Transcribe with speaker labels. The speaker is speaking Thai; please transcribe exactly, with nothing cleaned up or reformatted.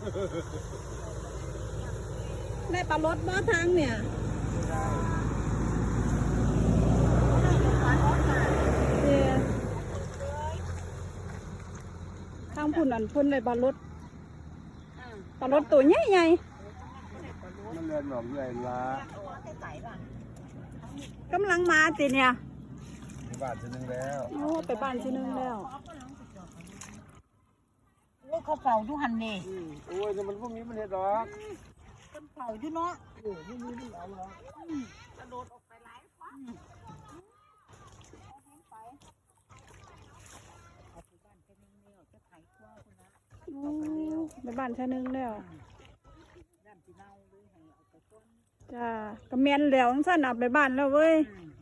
Speaker 1: ได้ปลารสบ่ทางเนี่ยทางพุ่นอันพุ่นได้ปลารสปลารสตัวใหญ่ใหญ่
Speaker 2: มันเรียนหนองใหญ่ละ
Speaker 1: กำลังมาสิเนี่ย
Speaker 2: ไปบ้านทีนึงแล้ว
Speaker 1: โอ้ไปบ้านทีนึงแล้ว
Speaker 3: โอ้เขาเฝ้าอยู่หันนี่
Speaker 2: โอ้ยแต่มันพวกนี้มันเห็ดดอก
Speaker 3: คนเฝ้าอยู่เนาะ
Speaker 2: โอ้พวกนี้มันเอาหรอก
Speaker 3: กระโดดออกไปหลายฟ้า
Speaker 1: ไปบ้านชานึงแล้วจ้ากระเมียนแล้วสั้นเอาไปบ้านแล้วเว้ย